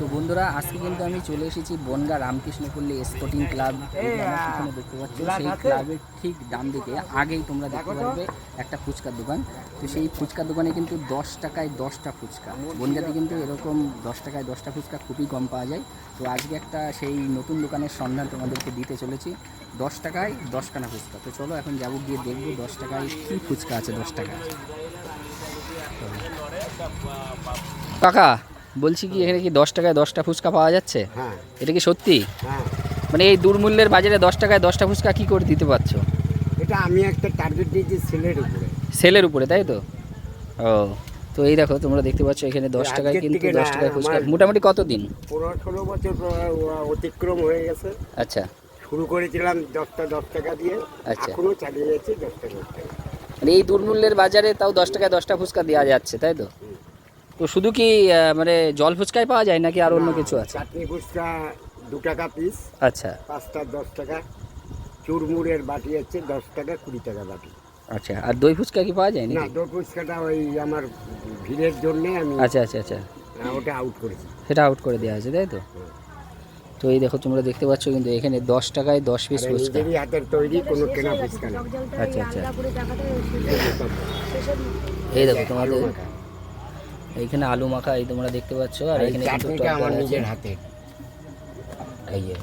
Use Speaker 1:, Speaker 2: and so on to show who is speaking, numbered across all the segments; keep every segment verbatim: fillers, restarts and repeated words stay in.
Speaker 1: বন্ধুরা আজকে কিন্তু আমি চলে এসেছি বনগাঁ রামকৃষ্ণপল্লী স্পোর্টিং ক্লাব। এখানে দেখতে পাচ্ছ সেই ক্লাবের ঠিক ডান দিকে আগেই তোমরা দেখতে পারবে একটা ফুচকার দোকান। তো সেই ফুচকার দোকানে কিন্তু দশ টাকায় দশটা ফুচকা। বনগাঁতে কিন্তু এরকম দশ টাকায় দশটা ফুচকা খুবই কম পাওয়া যায়। তো আজকে একটা সেই নতুন দোকানের সন্ধান তোমাদেরকে দিতে চলেছি, দশ টাকায় দশখানা ফুচকা। তো চলো এখন যাবো, গিয়ে দেখবো দশ টাকায় কী ফুচকা আছে দশ টাকায়। কাকা বলছি কি, এখানে কি দশ টাকায় দশটা ফুচকা পাওয়া যাচ্ছে?
Speaker 2: হ্যাঁ।
Speaker 1: এটা কি সত্যি?
Speaker 2: হ্যাঁ।
Speaker 1: মানে এই দুর্মূল্যের বাজারে দশ টাকায় দশটা ফুচকা কি করে দিতে পারছো?
Speaker 2: এটা আমি একটা টার্গেট দিয়েছি সেলের উপরে।
Speaker 1: সেলের উপরে, তাই তো? ও, তো এই দেখো তোমরা দেখতে পাচ্ছ এখানে দশ টাকায় কিন্তু দশ টাকায় ফুচকা। মোটামুটি কত দিন?
Speaker 2: পনেরো ষোলো বছর অতিক্রম হয়ে গেছে।
Speaker 1: আচ্ছা,
Speaker 2: শুরু করেছিলাম দশটা দশ টাকা দিয়ে,
Speaker 1: আচ্ছা,
Speaker 2: এখনো চালিয়ে যাচ্ছি দশ টাকা।
Speaker 1: মানে এই দুর্মূল্যের বাজারে তাও দশ টাকায় দশটা ফুচকা দেওয়া যাচ্ছে, তাই তো? তো শুধু কি মানে জল ফুচকাই পাওয়া যায় নাকি আর অন্য কিছু আছে?
Speaker 2: চাটনি ফুচকা দু টাকা পিস।
Speaker 1: আচ্ছা,
Speaker 2: পাঁচটা দশ টাকা। চুরমুড়ের বাটি আছে দশ টাকা কুড়ি টাকা বাটি।
Speaker 1: আচ্ছা, আর দই ফুচকা কি পাওয়া যায়
Speaker 2: না,
Speaker 1: নাকি?
Speaker 2: দই ফুচকাটা ওই আমার ভিড়ের জন্যে আমি
Speaker 1: আচ্ছা আচ্ছা আচ্ছা,
Speaker 2: ওটা আউট করেছি।
Speaker 1: সেটা আউট করে দেওয়া আছে, তাই তো? তো এই দেখো তোমরা দেখতে পাচ্ছ কিন্তু এখানে দশ টাকায় দশ পিস ফুচকা।
Speaker 2: নিজেরই হাতের তৈরি, কোনো কেনা ফুচকা না।
Speaker 1: আচ্ছা আচ্ছা, এই দেখো তোমাদের এইখানে আলু মাখা এই তোমরা দেখতে পাচ্ছ, আর এখানে কিন্তু
Speaker 2: চাটনিটা আমার নিজের হাতে।
Speaker 1: এই যে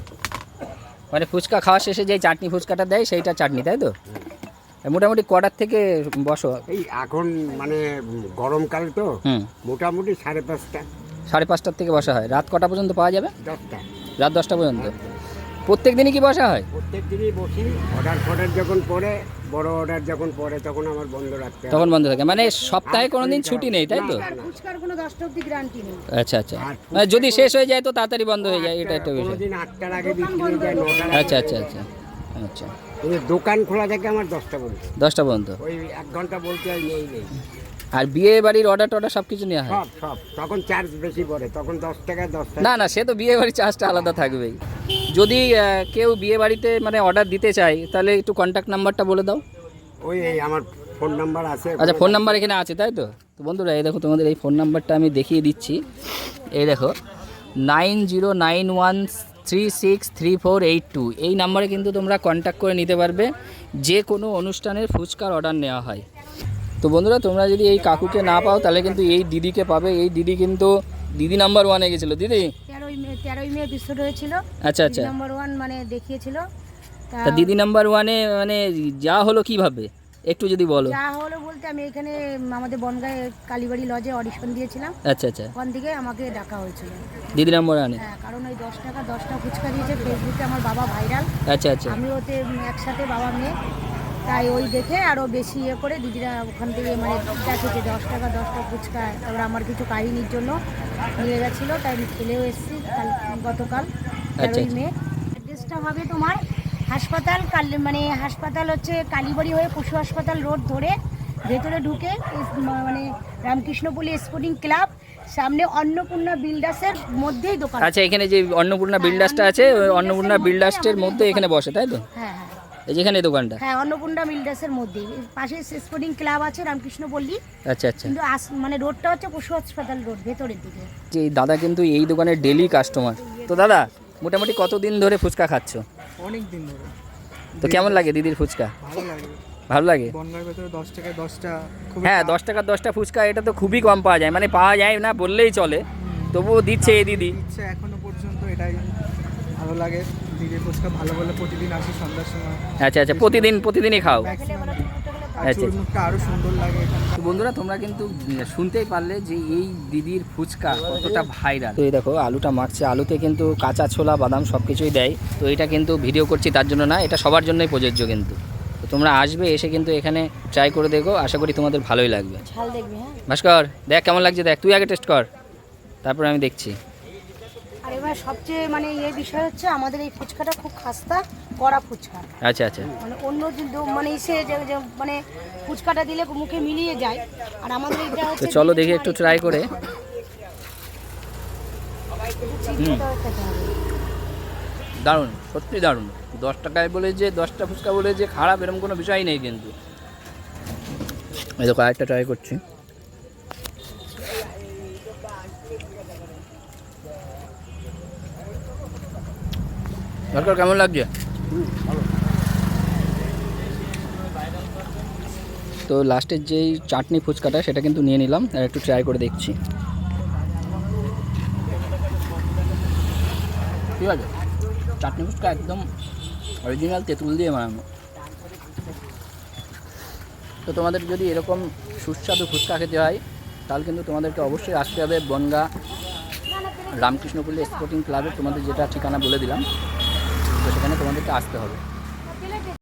Speaker 1: মানে ফুচকা খাওয়া শেষে যে চাটনি ফুচকাটা দেয় সেইটা চাটনি, তাই তো? মোটামুটি কটার থেকে বসো?
Speaker 2: এই এখন মানে গরমকাল তো,
Speaker 1: হুম,
Speaker 2: মোটামুটি সাড়ে পাঁচটা
Speaker 1: সাড়ে পাঁচটার থেকে বসা হয়। রাত কটা পর্যন্ত পাওয়া যাবে?
Speaker 2: দশটা।
Speaker 1: রাত দশটা পর্যন্ত প্রত্যেক দিনই কি বসা হয়?
Speaker 2: প্রত্যেক দিনই বসি। অর্ডার ফর্ডার যখন পড়ে, বড় অর্ডার যখন পড়ে তখন আমার বন্ধ রাখতে হয়।
Speaker 1: তখন বন্ধ থাকে, মানে সপ্তাহে কোনো দিন ছুটি নেই, তাই তো?
Speaker 3: ফুচকার কোনো দশটা অবধি গ্যারান্টি নেই।
Speaker 1: আচ্ছা আচ্ছা, মানে যদি শেষ হয়ে যায় তো তাড়াতাড়ি বন্ধ হয়ে যায়, এটা একটা বিষয়।
Speaker 2: কোনোদিন আটটার আগে বিক্রি হয়ে যায়, নটার আগে।
Speaker 1: আচ্ছা আচ্ছা আচ্ছা আচ্ছা,
Speaker 2: কিন্তু দোকান খোলা থাকে আমার দশটা পর্যন্ত।
Speaker 1: দশটা পর্যন্ত
Speaker 2: ওই এক ঘন্টা বলতে হয় নেই নেই।
Speaker 1: আর বিয়ে বাড়ির অর্ডার টর্ডার সব কিছু নেওয়া হয়?
Speaker 2: সব সব তখন চার্জ বেশি পড়ে, তখন দশ টাকা দশ টাকা।
Speaker 1: না না, সে তো বিয়ে বাড়ির চার্জটা আলাদা থাকবেই। যদি আহ, কেউ বিয়ে বাড়িতে মানে অর্ডার দিতে চায় তাহলে একটু কন্ট্যাক্ট নাম্বারটা বলে দাও।
Speaker 2: ওই এই আমার ফোন নাম্বার আছে।
Speaker 1: আচ্ছা, ফোন নাম্বার এখানে আছে, তাই তো? তো বন্ধুরা এই দেখো তোমাদের এই ফোন নাম্বারটা আমি দেখিয়ে দিচ্ছি। এই দেখো nine zero nine one three six three four eight two, এই নাম্বারে কিন্তু তোমরা কন্ট্যাক্ট করে নিতে পারবে যে কোনো অনুষ্ঠানের ফুচকার অর্ডার নেওয়া হয়। তো বন্ধুরা তোমরা যদি এই কাকুকে না পাও তাহলে কিন্তু এই দিদিকে পাবে। এই দিদি কিন্তু দিদি নাম্বার ওয়ানে গেছিলো। দিদি
Speaker 3: তেরোই মে তেরোই মে বিস্কুট হয়েছিল।
Speaker 1: আচ্ছা আচ্ছা,
Speaker 3: নাম্বার ওয়ান মানে দেখিয়েছিল।
Speaker 1: তা দিদি নাম্বার ওয়ানে মানে যা হলো কিভাবে একটু যদি বলো।
Speaker 3: যা হলো বলতে আমি এখানে আমাদের বনগাঁয় কালীবাড়ি লজে অডিশন দিয়েছিলাম।
Speaker 1: আচ্ছা আচ্ছা,
Speaker 3: ওখান থেকে আমাকে ডাকা হয়েছিল
Speaker 1: দিদি নাম্বার ওয়ানে।
Speaker 3: হ্যাঁ, কারণ ওই দশ টাকা দশটা ফুচকা দিয়েছে, ফেসবুকে আমার বাবা ভাইরাল।
Speaker 1: আচ্ছা আচ্ছা,
Speaker 3: আমি ওতে একসাথে বাবা মেয়ে, তাই ওই দেখে আরও বেশি ইয়ে করে দিদিরা ওখান থেকে মানে দেখেছে দশ টাকা দশটা ফুচকা। তারপরে আমার কিছু কাহিনীর জন্য নিয়ে গেছিলো, তাই আমি খেলেও এসেছি কাল গতকাল তেরোই মে। অ্যাড্রেসটা হবে তোমার হাসপাতাল কাল মানে হাসপাতাল হচ্ছে কালীবাড়ি হয়ে পশু হাসপাতাল রোড ধরে ভেতরে ঢুকে মানে রামকৃষ্ণপল্লী স্পোর্টিং ক্লাব সামনে অন্নপূর্ণা বিল্ডার্সের মধ্যেই দোকান।
Speaker 1: আচ্ছা, এখানে যে অন্নপূর্ণা বিল্ডার্সটা আছে ওই অন্নপূর্ণা বিল্ডার্সের মধ্যে এখানে বসে, তাই তো?
Speaker 3: হ্যাঁ হ্যাঁ,
Speaker 1: এই যেখানে দোকানটা।
Speaker 3: হ্যাঁ অন্নপূর্ণা বিল্ডার্সের মধ্যেই পাশে স্পোর্টিং ক্লাব আছে রামকৃষ্ণপল্লী।
Speaker 1: আচ্ছা আচ্ছা,
Speaker 3: কিন্তু মানে রোডটা হচ্ছে পশু হাসপাতাল রোড ভেতরের দিকে।
Speaker 1: যে দাদা কিন্তু এই দোকানের ডেলি কাস্টমার। তো দাদা মোটামুটি কতদিন ধরে ফুচকা খাচ্ছ?
Speaker 4: অনেক দিন ধরে।
Speaker 1: তো কেমন লাগে দিদির ফুচকা?
Speaker 4: ভালো লাগে।
Speaker 1: ভালো লাগে?
Speaker 4: বনগাঁর ভেতরে দশ টাকায় দশটা খুব।
Speaker 1: হ্যাঁ, দশ টাকার দশটা ফুচকা এটা তো খুবই কম পাওয়া যায়, মানে পাওয়া যায় না বললেই চলে, তবুও দিচ্ছে এই দিদি।
Speaker 4: ইচ্ছে এখনো পর্যন্ত এটাই ভালো লাগে। দিদির ফুচকা ভালো বলে প্রতিদিন আসি সন্ধ্যার সময়।
Speaker 1: আচ্ছা আচ্ছা, প্রতিদিন প্রতিদিনই খাও?
Speaker 4: ম্যাক্সিমাম। আর
Speaker 1: আচ্ছা।
Speaker 4: চুরমুখটা আরও সুন্দর লাগে এখানে।
Speaker 1: তো বন্ধুরা তোমরা কিন্তু শুনতেই পারলে যে এই দিদির ফুচকা কতটা ভাইরাল। তো এই দেখো আলুটা মাখছে, আলুতে কিন্তু কাঁচা ছোলা বাদাম সব কিছুই দেয়। তো এটা কিন্তু ভিডিও করছি তার জন্য না, এটা সবার জন্যই প্রযোজ্য কিন্তু। তো তোমরা আসবে, এসে কিন্তু এখানে ট্রাই করে দেখো, আশা করি তোমাদের ভালোই লাগবে।
Speaker 3: ঝাল দেখবি? হ্যাঁ
Speaker 1: ভাস্কর দেখ কেমন লাগছে, দেখ তুই আগে টেস্ট কর, তারপরে আমি দেখছি।
Speaker 3: আর এবার সবচেয়ে মানে এই বিষয় হচ্ছে আমাদের এই ফুচকাটা খুব খাস্তা কড়া ফুচকা।
Speaker 1: আচ্ছা আচ্ছা,
Speaker 3: মানে অন্য মানে ইসে যে মানে ফুচকাটা দিলে মুখে মিলিয়ে যায়, আর আমাদের এটা হচ্ছে।
Speaker 1: তো চলো দেখি একটু ট্রাই করে। দারুণ, সত্যি দারুণ। দশ টাকায় বলে যে দশটা ফুচকা বলে যে খারাপ এরকম কোনো বিষয় নেই কিন্তু। এই দেখো আরেকটা ট্রাই করছি। সরকার কেমন লাগছে? তো লাস্টের যেই চাটনি ফুচকাটা সেটা কিন্তু নিয়ে নিলাম আর একটু ট্রাই করে দেখছি। ঠিক আছে, চাটনি ফুচকা একদম অরিজিনাল তেঁতুল দিয়ে বানানো। তো তোমাদের যদি এরকম সুস্বাদু ফুচকা খেতে হয় তাহলে কিন্তু তোমাদেরকে অবশ্যই আসতে হবে বনগাঁ রামকৃষ্ণপল্লী স্পোর্টিং ক্লাবে, তোমাদের যেটা ঠিকানা বলে দিলাম, তো সেখানে তোমাদেরকে আসতে হবে।